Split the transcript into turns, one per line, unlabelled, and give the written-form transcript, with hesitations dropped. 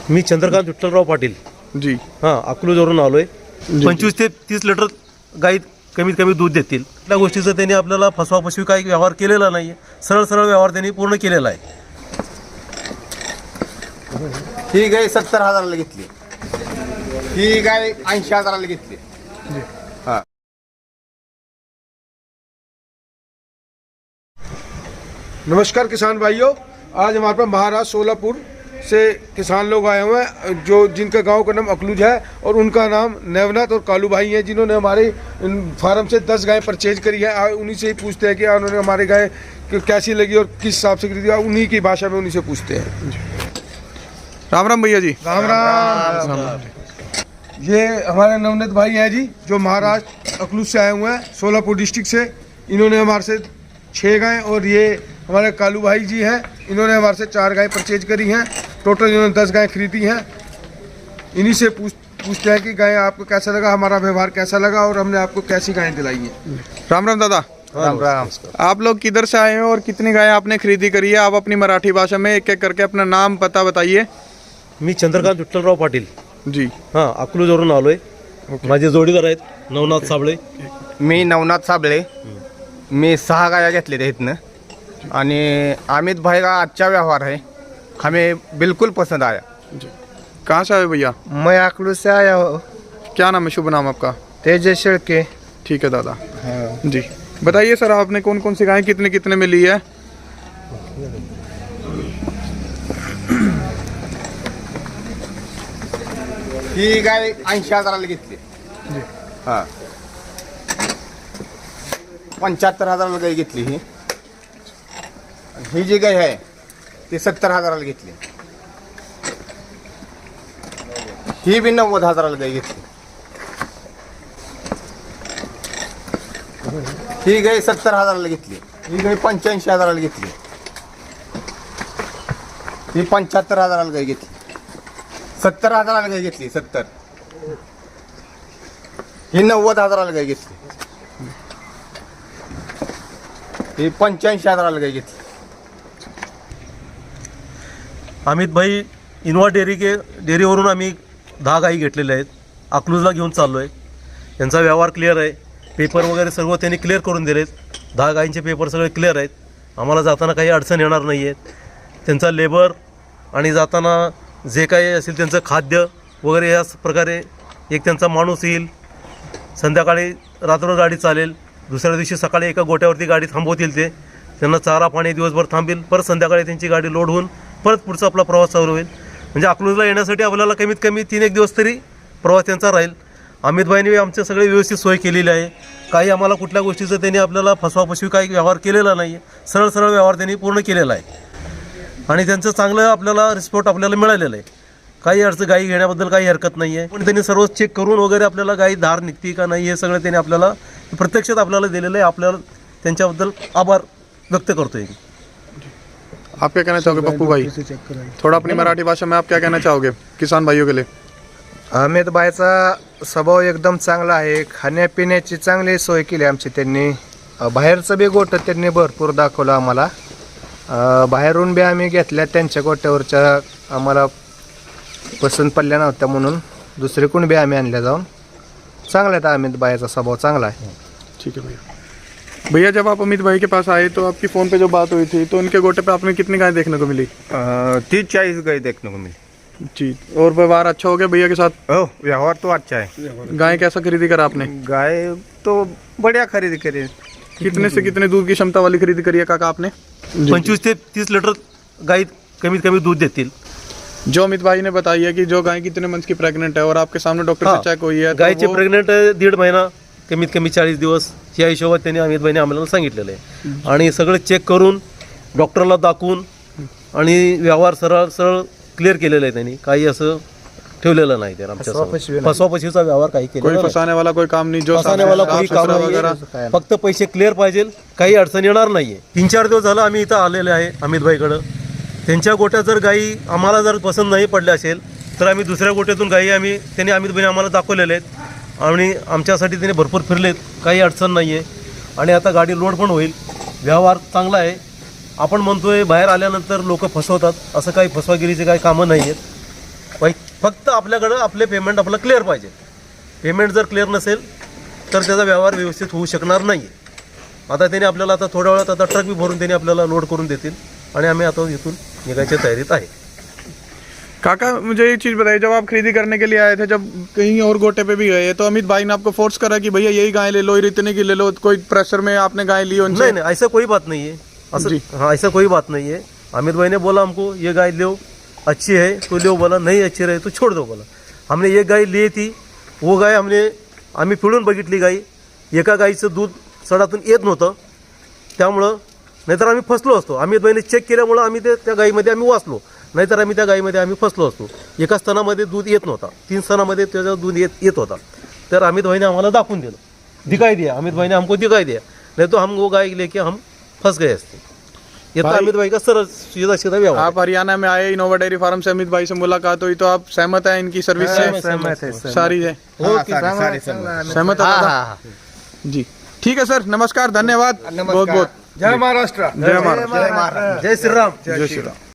मी चंद्रकांत विठ्ठलराव पाटील
जी
हां अकलूजवरून आलो आहे.
जी.
25 ते 30 लिटर गाई कमीत कमी दूध देतील. त्या गोष्टीचं त्यांनी आपल्याला फसवाफसवी काही व्यवहार केलेला नाही आहे. सरळ सरळ व्यवहार त्यांनी पूर्ण केलेला आहे.
ही गाय 70,000ला घेतली, ही गाय 80,000ला घेतली. हा.
नमस्कार किसान भाइयों, आज हमारे पास महाराष्ट्र सोलापुर से किसान लोग आए हुए हैं जो जिनका गांव का नाम अकलूज है और उनका नाम नेवनाथ और कालू भाई हैं, जिन्होंने हमारे फार्म से 10 गायें परचेज करी है। उन्हीं से ही पूछते हैं कि उन्होंने हमारी गाय कैसी लगी और किस हिसाब से खरीदी, उन्हीं की भाषा में उन्हीं से पूछते हैं।
राम राम भैया जी।
राम राम। ये हमारे नवनीत भाई हैं जी, जो महाराष्ट्र अकलूज से आए हुए हैं, सोलापुर डिस्ट्रिक्ट से। इन्होंने हमारे से 6 गायें और ये हमारे कालू भाई जी हैं, इन्होंने हमारे से 4 गायें परचेज करी हैं। टोटल इन्होंने 10 गायें खरीदी हैं। इन्हीं से पूछते हैं कि गायें आपको कैसा लगा, हमारा व्यवहार कैसा लगा और हमने आपको कैसी गायें दिलाई हैं।
राम राम दादा।
राम राम।
आप लोग किधर से आए हैं और कितनी गायें आपने खरीदी करी है? आप अपनी मराठी भाषा में एक एक करके अपना नाम पता बताइए।
मी चंद्रकांत विठ्ठलराव पाटील
जी
हां अकलूजवरून आलो आहे. माझे जोडीदार आहेत नवनाथ साबळे.
मी नवनाथ साबळे. मी 6 गाया घेतलेल्या इथनं आणि अमित भाई का अच्छा व्यवहार है, हमें बिल्कुल पसंद आया.
जी। कहाँ से आए भैया?
मैं अकलूज से आया हूँ.
क्या नाम है, शुभ नाम आपका?
तेजस शेळके.
ठीक है दादा। जी बताइए सर, आपने कौन कौन सी गायें कितने कितने में ली है?
ही गाय 80,000ला घेतली. हा. 75,000ला गाय घेतली. ही जी गाय आहे ती 70,000ला घेतली. ही बी 90,000ला गाय घेतली. ही गाय 70,000ला घेतली. ही गाय 85,000ला घेतली. ही 75,000ला गाय घेतली. 70,000ला गाय घेतली. 70. ही 90,000ला गाय घेतली. ही 85,000ला गाय घेतली.
अमित भाई इनोवा डेअरीवरून आम्ही 10 गाई घेतलेल्या आहेत. अकलूजला घेऊन चाललो आहे. यांचा व्यवहार क्लिअर आहे. पेपर वगैरे सर्व त्यांनी क्लिअर करून दिलेत. 10 गाईंचे पेपर सगळे क्लिअर आहेत. आम्हाला जाताना काही अडचण येणार नाही आहेत. त्यांचा लेबर आणि जाताना जे काही असेल त्यांचं खाद्य वगैरे या प्रकारे एक त्यांचा माणूस येईल. संध्याकाळी रात्र गाडी चालेल. दुसऱ्या दिवशी सकाळी एका गोट्यावरती गाडी थांबवतील. ते त्यांना चारा पाणी दिवसभर थांबेल. परत संध्याकाळी त्यांची गाडी लोड होऊन परत पुढचा आपला प्रवास चालू होईल. म्हणजे अकलूजला येण्यासाठी आपल्याला कमीत कमी 3-1 दिवस तरी प्रवास त्यांचा राहील. अमितभाईंनी आमचे सगळे व्यवस्थित सोय केलेली आहे. काही आम्हाला कुठल्या गोष्टीचं त्यांनी आपल्याला फसवाफसवी काही व्यवहार केलेला नाही आहे. सरळ सरळ व्यवहार त्यांनी पूर्ण केलेला आहे आणि त्यांचं चांगलं आपल्याला रिस्पॉट आपल्याला मिळालेलं आहे. काही अडचण गाई घेण्याबद्दल काही हरकत नाही आहे. पण त्यांनी सर्व चेक करून वगैरे आपल्याला गाई धार निघते का नाही हे सगळं त्यांनी आपल्याला प्रत्यक्षात आपल्याला दिलेलं आहे. आपल्याला त्यांच्याबद्दल आभार व्यक्त करतोय.
आप क्या कहना चाहोगे पप्पू भाई? थोड़ा अपनी मराठी भाषा में आप क्या कहना चाहोगे किसान भाइयों के लिए?
अमित भाईचा स्वभाव एकदम चांगला आहे. खाण्यापिण्याची चांगली सोय केली आमची त्यांनी. बाहेरचं बी गोठं त्यांनी भरपूर दाखवलं आम्हाला. बाहेरून बी आम्ही घेतल्या त्यांच्या गोट्यावरच्या, आम्हाला पसंत पडल्या नव्हत्या म्हणून दुसरीकडून बी आम्ही आणल्या जाऊन. चांगला आहे अमित भाईचा स्वभाव चांगला है.
ठीक है भैया। भैया जब आप अमित भाई के पास आए तो आपकी फ़ोन पे जो बात हुई थी तो उनके गोटे पे आपने कितनी गाय देखने को मिली?
30-40 गाय देखने को मिली.
जी। और व्यवहार अच्छा हो गया भैया के साथ?
व्यवहार तो अच्छा है.
गाय कैसा खरीदी करा आपने?
गाय तो बढ़िया खरीदी करी.
कितने से कितने दूध की क्षमता वाली खरीदी करी है काका आपने?
25 ते 30 लिटर गाई कमीत कमी दूध देतील.
जो अमित भाई ने बताई है कि जो गाय कितने मंथ की प्रेग्नेंट है और आपके सामने डॉक्टर से चेक हुई है तो
गायचे
वो-
प्रेग्नेंट 1.5 महिना कमीत कमी 40 दिवस या हिशोबात त्यांनी अमित भाईने आम्हाला सांगितलेलं आहे. आणि सगळं चेक करून डॉक्टरला दाखवून आणि व्यवहार सरळ सरळ क्लिअर केलेलं आहे त्यांनी. काही असं ठेवलेलं नाही. तर आमच्या फसवाफसवीचा व्यवहार काही
कोई
केलेला नाही.
फंसाने वाला कोई काम नहीं, जो
फसवाने वाला कोई काम
साफ-सुथरा
नाही
वगैरह।
आहे. फक्त पैसे क्लिअर पाहिजे, काही अडचण येणार नाहीये. 3-4 दिवस झालं आम्ही इथं आलेले आहे अमित भाईकडं. त्यांच्या गोट्यात जर गाई आम्हाला जर पसंत नाही पडल्या असेल तर आम्ही दुसऱ्या गोट्यातून गाई त्यांनी अमित भाईने आम्हाला दाखवलेले आहेत आणि आमच्यासाठी त्यांनी भरपूर फिरलेत. काही अडचण नाही आहे आणि आता गाडी लोड पण होईल. व्यवहार चांगला आहे. आपण म्हणतोय बाहेर आल्यानंतर लोक फसवतात, असं काही फसवागिरीचे काही कामं नाही आहेत. फक्त आपल्याकडं आपले पेमेंट आपलं क्लिअर पाहिजे. पेमेंट जर क्लिअर नसेल तर त्याचा व्यवहार व्यवस्थित होऊ शकणार नाही आहे. आता त्यांनी आपल्याला आता थोड्या वेळात आता ट्रक बी भरून त्यांनी आपल्याला लोड करून देतील आणि आम्ही आता इथून निघायच्या तयारीत आहे.
काका मुझे एक चीज़ बताइए, जब आप खरीदी करने के लिए आए थे, जब कहीं और गोटे पे भी गए तो अमित भाई ने आपको फोर्स करा कि भैया यही गाय ले लो, इतने की ले लो, कोई प्रेशर में आपने गाय ली उनसे?
नहीं नहीं, ऐसा कोई बात नहीं है.
जी.
हाँ, ऐसा कोई बात नहीं है. अमित भाई ने बोला हमको ये गाय लो, अच्छी है तो लो, बोला नहीं अच्छी रहे तो छोड़ दो बोला. हमने एक गाय ली थी, वो गाय आम्ही पिळून बघितली गाई. एका गाईचं दूध सडातून येत नव्हतं, त्यामुळं नाहीतर आम्ही फसलो असतो. अमित भाईने चेक केल्यामुळं आम्ही त्या गाईमध्ये आम्ही वाचलो, नाहीतर आम्ही त्या गाईमध्ये आम्ही फसलो असतो. एका स्तनामध्ये दूध येत नव्हता, 3 स्तनामध्ये त्याचं दूध येत होता. तर अमित भाईने आम्हाला दाखवून दिलं, दिखाई दिया. अमित भाईने हमको दिखाई दिया, नहीं तो हम वो गाय लेके हम फंस गए असते. ये तो अमित भाई का सरल सीधा सीधा व्यवहार.
आप हरियाणा में आए, इनोवा डेयरी फार्म से अमित भाई से मुलाकात हुई, तो आप सहमत हैं इनकी सर्विस से?
सहमत है, सहमत.
सारी है सहमत है दादा? जी ठीक है सर, नमस्कार, धन्यवाद बहुत बहुत.
जय महाराष्ट्र.
जय महाराष्ट्र.
जय श्रीराम.
जय श्री राम.